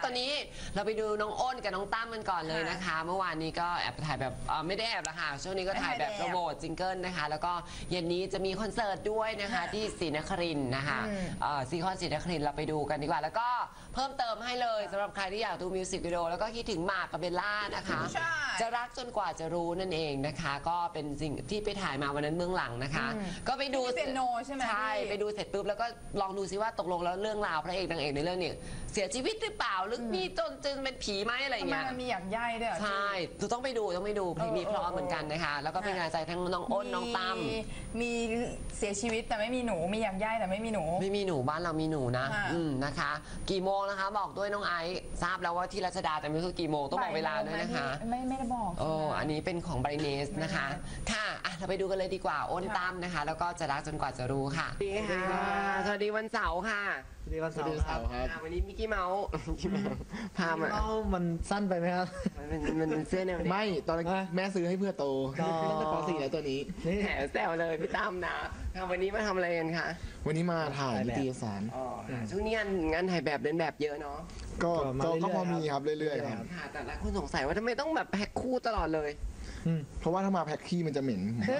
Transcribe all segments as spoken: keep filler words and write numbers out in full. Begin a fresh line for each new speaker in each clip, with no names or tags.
ตอนนี้เราไปดูน้องอ้นกับน้องตั้มกันก่อนเลยนะคะเมื่อวานนี้ก็แอบถ่ายแบบไม่ได้แอบละค่ะช่วงนี้ก็ถ่ายแบบโปรโมทซิงเกิลนะคะแล้วก็เย็นนี้จะมีคอนเสิร์ตด้วยนะคะที่ศรีนครินทร์นะคะซีคอนศรีนครินทร์เราไปดูกันดีกว่าแล้วก็เพิ่มเติมให้เลยสำหรับใครที่อยากดูมิวสิกวิดีโอแล้วก็คิดถึงหมากกับเบลล่านะคะจะรักจนกว่าจะรู้นั่นเองนะคะก็เป็นสิ่งที่ไปถ่ายมาวันนั้นเบื้องหลังนะคะก็ไปดู
เปียโนใช่ไหม
ใช่ไปดูเสร็จปุ๊บแล้วก็ลองดูซิว่าตกลงแล้วเรื่องราวพระเอกนางเอกในเรื่องนี้เสียชีวิตหรือเปล่าหรือมีจนจนเป็นผีไหมอะไรอย่างเงี้ย
มันมีอยากใยด้วย
ใช่ต้องไปดูต้องไปดูเพลงนี้เพราะเหมือนกันนะคะแล้วก็เป็นงานใจทั้งน้องอ้นน้องตั้ม
มีเสียชีวิตแต่ไม่มีหนูมีอยากใยแต่ไม่มีหนู
ไม่มีหนูบ้านเรามีหนูนะอืมนะคะกี่โมงนะคะบอกด้วยน้องไอซ์ทราบแล้วว่าที่รัชดาแต่ไม่รู้กี่โมงต้องบอกเวลาด้วยนะคะ
ไม่ไม่ได้บอก
โอ้อันนี้เป็นของไบรเนสนะคะค่ะเราไปดูกันเลยดีกว่าอ้นตั้มนะคะแล้วก็จะรักจนกว่าจะรู้ค่ะสวัสดีค่ะสวัสดีวันเสาร์ค่ะ
สวัสดีวันเสาร์
ครับวันนี้มิกกี้เมาส์พามา
มันสั้นไปไหมครับ
มันมันเสื้อแนว
ไม่ตอนแม่ซื้อให้เพื่อโตตั้งแต่ป .สี่ แล้วตัวนี้
แถมแซวเลยพี่ตั้มนะวันนี้มาทำอะไรกันคะ
วันนี้มาถ่ายนิตยสาร
ช่วงนี้งานงานถ่ายแบบเดินแบบเยอะเนาะ
ก็ก็พอมีครับเรื่อยๆครับ
แต่หลายคนสงสัยว่าทำไมต้องแบบแพ็คคู่ตลอดเลย
เพราะว่าถ้ามาแพ็คขี้มันจะเหม็น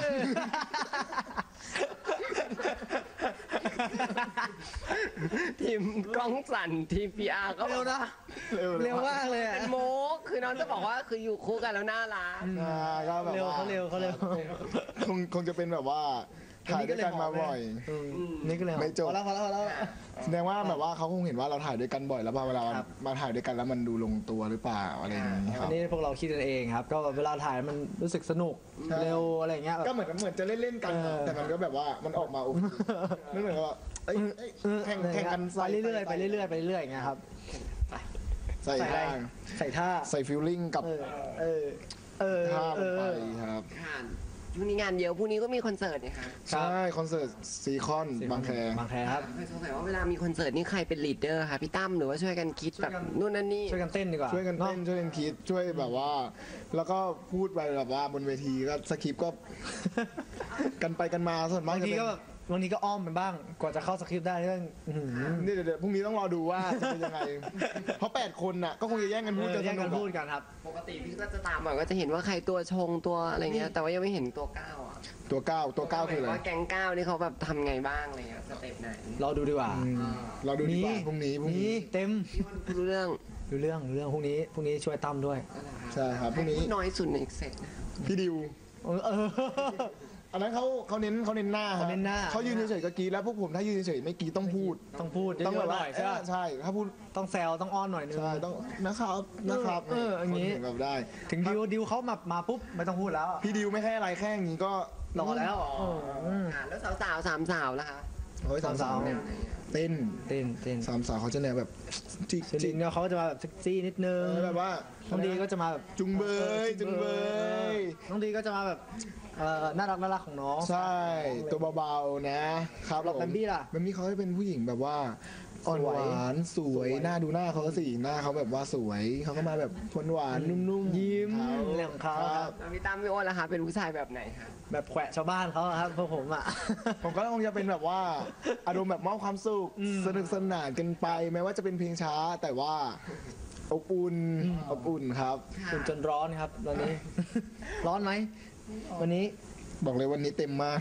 ทีมกล้องสั่นทีม พี อาร์ ก็
เร็วนะเร็วมากเลย
เป็นโมกคือน้องจะบอกว่าคืออยู่คู่กันแล้วน่ารัก
ก็แบบว่า
เขาเร็วเขาเร็ว
คงคงจะเป็นแบบว่าถ่ายด้วยกันมาบ่อย
นี่ก็เลย
ไม่จบ
พอแล้วพอแล้วพอแล้ว
แสดงว่าแบบว่าเขาคงเห็นว่าเราถ่ายด้วยกันบ่อยแล้วพอเวลามาถ่ายด้วยกันแล้วมันดูลงตัวหรือเปล่าอะไรอย่างนี้ครับ
อันนี้พวกเราคิดกันเองครับก็เวลาถ่ายมันรู้สึกสนุกเร็วอะไรเงี้ย
ก็เหมือนเหมือนจะเล่นๆกันแต่มันก็แบบว่ามันออกมาไม่เหมือนว่าแข่งแข่งกัน
ไปเรื่อยๆไปเรื่อยๆไปเรื่อยๆอย่างเงี้ยครับ
ใส่ท่า
ใส่ท่า
ใส่ฟิลลิ่งกับ
เออเออ
ท่าลงไปครับ
พรุ่งนี้งานเยอะพรุ่งนี้ก็มีคอนเสิร์ตเนี่ยค่ะ
ใช่คอนเสิร์ตซีคอนบางแค
บางแคครับ
เคยสงสัยว่าเวลามีคอนเสิร์ตนี่ใครเป็นลีดเดอร์คะพี่ตั้มหรือว่าช่วยกันคิดแบบนู่นนั่นนี่
ช่วยกันเต้นดีกว่า
ช่วยกันเต้นช่วยกันคิดช่วยแบบว่าแล้วก็พูดไปแบบว่าบนเวทีก็สคริปต์ก็กันไปกันมาส่วนมาก
บางทีก็แบบบางทีก็อ้อมมันบ้างกว่าจะเข้าสคริปต์ได้เรื่อง
นี่เดี๋ยวพรุ่งนี้ต้องรอดูว่าจะเป็นยังไงเพราะแปดคนน่ะก็คงจะแย่งกันพูด
แย่งกันพูดกันครับ
ปกติพี่ก็จะตามอ่ะก็จะเห็นว่าใครตัวชงตัวอะไรเงี้ยแต่ว่ายังไม่เห็นตัวก้าวอ่ะ
ตัวก้าวตัวก้าวคืออะไร
ว่าแก๊งก้าวนี่เขาแบบทำไงบ้างอะไรเงี้ยสเต็ปไหน
รอดูดีกว่า
เราดูดีกว่าพรุ่งนี้พรุ่งนี้
เต็ม
รู้เรื่อง
รู้เรื่องรู้เรื่องพรุ่งนี้พรุ่งนี้ช่วยตั้มด้วย
ใช่ครับพรุ่งนี้
น้อยสุดในเซต
พี่ดิวอันนั้นเขาเขาเน้นเขาเน้นหน้า
เขาเน้นหน้า
เขายืนเฉยๆก็กรีดแล้วพวกผมถ้ายืนเฉยๆไม่กรีดต้องพูด
ต้องพูด
ต้องแบบว่าใช่ใช่ถ้าพูด
ต้องแซวต้องอ้อนหน่อยนึง
ใช่ต้องนะครับนะครับ
เอออย่างนี้
แบบได้
ถึงดิวดิวเขามามาปุ๊บไม่ต้องพูดแล้ว
พี่ดิวไม่แค่อะไรแค่อย่างนี้ก็
รอแล้ว
แล้วสาวๆสามสาวนะคะ
โอ้ยสามสาวเต้น
เต้นเต้น
สามสาวเขาจะแนวแบบ
จิกจิกเนี่ยเขาจะมาแบบเซ็กซี่นิดนึง
แบบว่า
น้องดีก็จะมาแบบ
จุงเบยจุงเบย
น้องดีก็จะมาแบบน่ารักน่ารักของน้อง
ใช่ตัวเบาๆนะครับ
แล้วแบมบี้ล่ะ
แบมบี้เขาจะเป็นผู้หญิงแบบว่าอ่อนหวานสวยหน้าดูหน้าเขาสิหน้าเขาแบบว่าสวยเขาก็มาแบบหวานนุ่ม
ๆยิ้มเรื่องของเขา
แล้วพี่ตั้มพี่อ้นล่ะคะเป็นผู้ชายแบบไหนคะ
แบบแขวะชาวบ้านเขาครับพวกผมอ่ะ
ผมก็คงจะเป็นแบบว่าอารมณ์แบบมอบความสุขสนุกสนานกันไปแม้ว่าจะเป็นเพลงช้าแต่ว่าอบอุ่นอบอุ่นครับ
อุ่นจนร้อนครับตอนนี้ร้อนไหมวันนี้
บอกเลยวันนี้เต็มมาก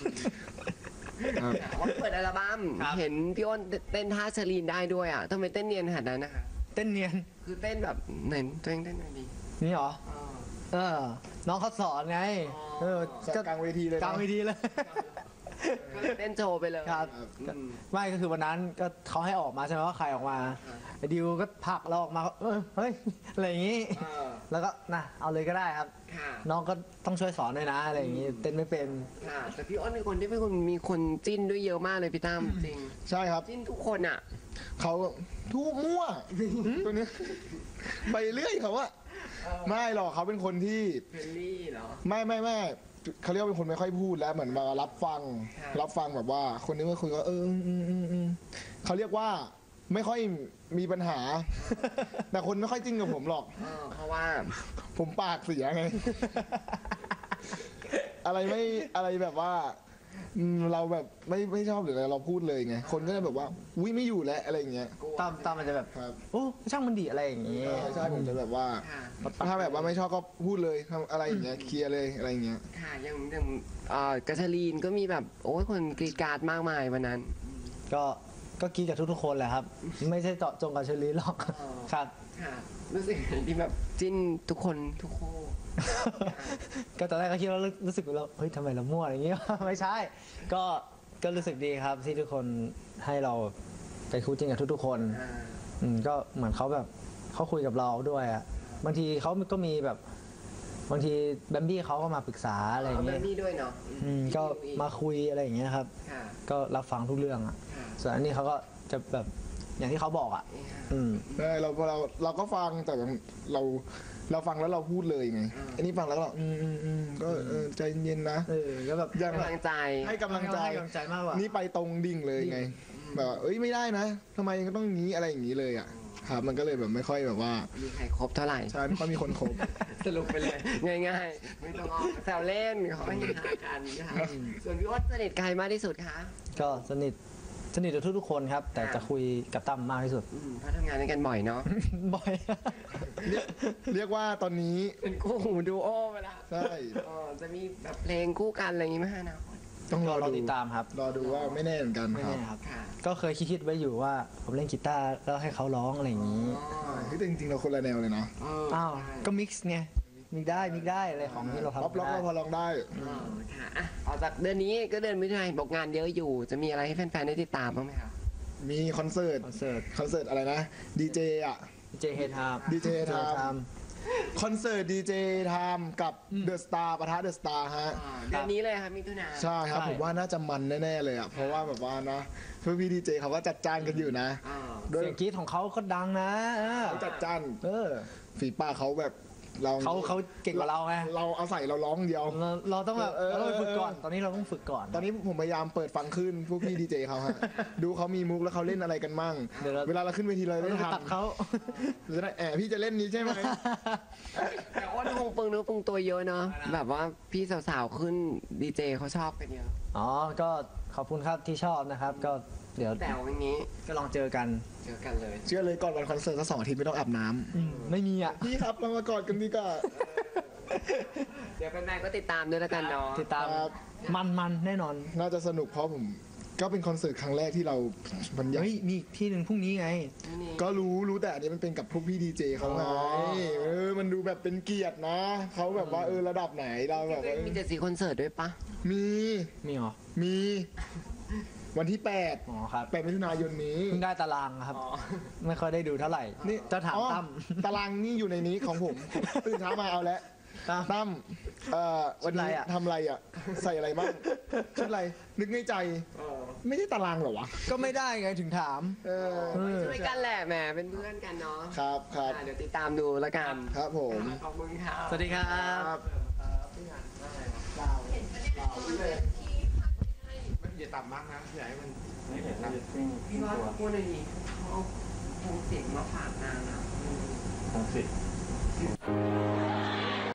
ว่าเปิดอัลบั้มเห็นพี่อ้นเต้นท่าเชลีนได้ด้วยอ่ะทำไมเต้นเนียนขนาดนั้นนะคะ
เต้นเนียน
คือเต้นแบบไหนตัวเองเต้นหน่อยดี
นี่หรอเออน้องเขาสอนไงเอ
อกลางเวทีเลย
กลางเวทีเลย
เต้นโชว์ไปเลย
ครับไม่ก็คือวันนั้นก็เขาให้ออกมาใช่ไหมว่าใครออกมาไอ้ดิวก็ผลักเราออกมาเฮ้ยอะไรอย่างนี้แล้วก็นะเอาเลยก็ได้ครับน้องก็ต้องช่วยสอนด้วยนะอะไรอย่างนี้เต้นไม่เป็น
แต่พี่อ้นเป็นคนที่เป็นคนมีคนจิ้นด้วยเยอะมากเลยพี่ตั้มจริง
ใช่ครับ
จิ้นทุกคนอ่ะ
เขาทุกมั่วตัวนี้ไปเรื่อยเขาอะไม่หรอกเขาเป็นคนที่
เฟรนลี่เหรอ
ไม่ไม่ไม่เขาเรียกว่าเป็นคนไม่ค่อยพูดแล้วเหมือนมารับฟังรับฟังแบบว่าคนนี้มาคุยก็เออเขาเรียกว่าไม่ค่อยมีปัญหาแต่คนไม่ค่อยจริงกับผมหรอก
เพราะว่า
ผมปากเสียไงอะไรไม่อะไรแบบว่าอืมเราแบบไม่ไม่ชอบหรืออะไรเราพูดเลยไงคนก็จะแบบว่าอุ้ยไม่อยู่แล้วอะไรอย่างเงี้ย
ตั้มตั้มมันจะแบบ
ครับ
โอ้ช่างมันดีอะไรอย่างงี้
ใช่ใช่ผมจะแบบว่า
ค่ะ
ถ้าแบบว่าไม่ชอบก็พูดเลยทำอะไรอย่างเงี้ยเคลียร์เลยอะไรอย่างเงี้ย
ค่ะอย่างอย่างเอ่อกัชลีนก็มีแบบโอ้ยคนกรีดกราร์ดมากมายวันนั้น
ก็ก็กินกับทุกๆคนแหละครับ ไม่ใช่เจาะจงกับเชอรี่หรอก
อ๋อ
ครับ
ค่ะรู้สึกที่แบบจิ้นทุกคนทุกคู่
ก็ตอนแรกก็คิดว่ารู้รู้สึกว่าเราเฮ้ยทำไมเรามั่วอย่างงี้ ไม่ใช่ ก็ก็รู้สึกดีครับที่ทุกคนให้เราไปคู่จริงกับทุกๆคน
อ่า
อืมก็เหมือนเขาแบบเขาคุยกับเราด้วยอ่ะบางทีเขาก็มีแบบบางทีแบมบี้เขาก็มาปรึกษาอะไรอย่าง
เอาแบ
เงี้ย
บนี้ด้วยเนาะ
อืมก็มาคุยอะไรอย่างเงี้ยครับ
ค่ะ
ก็รับฟังทุกเรื่องอ่ะ
ค่ะ
ส่วนอันนี้เขาก็จะแบบอย่างที่เขาบอกอ่ะ
นี่ค่ะ
อืม
ใช่เราเราเราก็ฟังแต่เราเราฟังแล้วเราพูดเลยไง
อ่า
อันนี้ฟังแล้วก็อืมอืมอืมก็เออใจเย็นๆนะ
เออก็แบบ
อย่าง
กำลังใจ
ให้กำลังใจ
ให้กำลังใจมากกว่า
นี่ไปตรงดิ่งเลยไงแบบว่าเอ้ยไม่ได้นะทำไมก็ต้องงี้อะไรอย่างนี้เลยอ่ะครับมันก็เลยแบบไม่ค่อยแบบว่า
มีใครครบเท่าไหร่
ใช่ไม่ค่อยมีคนคบ
สรุปไปเลย ง่ายๆ ไม่ต้องออกแซวเล่นเขาไม่หากันนะคะส่วนพี่อ้นสนิทใครมากที่สุดคะ
ก็สนิทสนิทกับทุกๆคนครับ แต่จะคุยกับตั้มมากที่สุด
อืมเพราะทำงานด้วยกันบ่อยเนาะ
บ่อย
เรียกเรียกว่าตอนนี้
เป็นคู่หูดูโอไปละ
ใช่
เออจะมีแบบเพลงคู่กันอะไรอย่างงี้ไหมฮะนะ
ต้องรอ
รอ
ดู
ติดตามครับ
รอดูว่าไม่แน่เหมือนกัน
ไม่
ครับ
แน่ครับ
ค่ะ
ก็เคยคิดๆไว้อยู่ว่าผมเล่นกีตาร์แล้วให้เขาร้องอะไรอย่างนี้
อ๋อ
เฮ้ยแต่จริงๆเราคนละแนวเลยนะ
เออ
อ้าว
ใช่
ก็มิกซ์ไงมิกได้มิกได้อะไรของที่เราทำ
ป๊อปล็อก
ได้
ก็พอลองได้
อ๋อค่ะอ่ะออกจากเดือนนี้ก็เดือนมิถุนายนบอกงานเยอะอยู่ จะมีอะไรให้แฟนๆได้ติดตามบ้างไหมคะ
มีคอนเสิร์ต
คอนเสิร์ต
คอนเสิร์ตอะไรนะดีเจอ่ะ
ดีเจเฮดไทม์
ดีเจไทม์ คอนเสิร์ตดีเจไทม์กับเดอะสตาร์ปะทะเดอะสตาร์ฮะ
อ่าเดือนนี้เลยค่ะมิถุนายน
ใช่ครับ
ใช่
ผมว่าน่าจะมันแน่ๆเลยอ่ะเพราะว่าแบบว่านะเพื่อนพี่ดีเจเขาก็จัดจ้านกันอยู่นะ
อ่า
ด้วย
เสียงกรี๊ดของเขาก็ดังนะเออ
เขาจัดจ้าน
เออ
ฝีปากเขาแบบเรา
เขาเขาเก่งกว่าเราไง
เราเอาใส่เราร้องเดียว
เราเราต้องแบบ
เออ
เราต้องฝึกก่อน ตอนนี้เราต้องฝึกก่อน
ตอนนี้ผมพยายามเปิดฟังขึ้นพวกพี่ดีเจเขาฮะ ดูเขามีมุกแล้วเขาเล่นอะไรกันมั่ง
เดี๋ยวเรา
เวลาเราขึ้นเวทีเรา
เรา
ได้
ต้องไป
ทำ
ตัดเขา
เราจะได้แอบพี่จะเล่นนี้ใช่ไหม
แต่อ้นคงปึงเนื้อปึงตัวเยอะเนาะแบบว่าพี่สาวๆขึ้นดีเจเขาชอบกันเยอะ
อ๋อ ก็ขอบคุณครับที่ชอบนะครับ ก็เดี๋ยว
แต่วันนี้
ก็ลองเจอกัน
เจอกันเลย
เชื่อเลยก่อนวันคอนเสิร์ตสักสองอาทิตย์ไม่ต้องอาบน้ำ
อืมไม่มีอ่ะ
พี่ครับเรามากอดกันดีกว่า
เดี๋ยวแฟนๆก็ติดตามด้วยแล้วกันเนาะ
ติดตาม
ครับ
มันมันแน่นอน
น่าจะสนุกเพราะผมก็เป็นคอนเสิร์ตครั้งแรกที่เราบรรยาย
เฮ้ย มีอีกที่หนึ่งพรุ่งนี้ไง
นี่
ก็รู้รู้แต่อันนี้มันเป็นกับพวกพี่ดีเจเขาไง
อ๋อ
เออมันดูแบบเป็นเกียรตินะเขาแบบว่าเออระดับไหนเราแบบว่า
มีเจ็ดสีคอนเสิร์ตด้วยปะ
มี
มีเหรอ
มีวันที่แปด
อ๋อครับ
แปดมิถุนายนนี้
เพิ่งได้ตารางครับ ไม่ค่อยได้ดูเท่าไหร่
นี่
จะถาม
อ๋อ
ตั้ม
ตารางนี่อยู่ในนี้ของผมตื่นเช้ามาเอาแล้ว
ตั้ม
ตั้มเอ่อวันนี้
ชุดอะไรอะ
ทำอะไรอ่ะ ใส่อะไรบ้างชุดอะไรนึกในใจ ไม่ได้ตารางเหรอวะ
ก็ไม่ได้ไงถึงถาม
เออ
เออ
ช่วยกันแหละแหมเป็นเพื่อนกันเนาะ
ครับครับ
อ่ะเดี๋ยวติดตามดูแล้วกัน
ครับผม
ขอบคุณค่ะ
สวัสดีครับ
ครับ
อย่าต่ำมากนะอย่าให้มันไม่เห็นนะ
พี่ว่าพูดหน่อยดิเขาเอาพวงเสียงมาฝากนางอ่ะ
ของสิ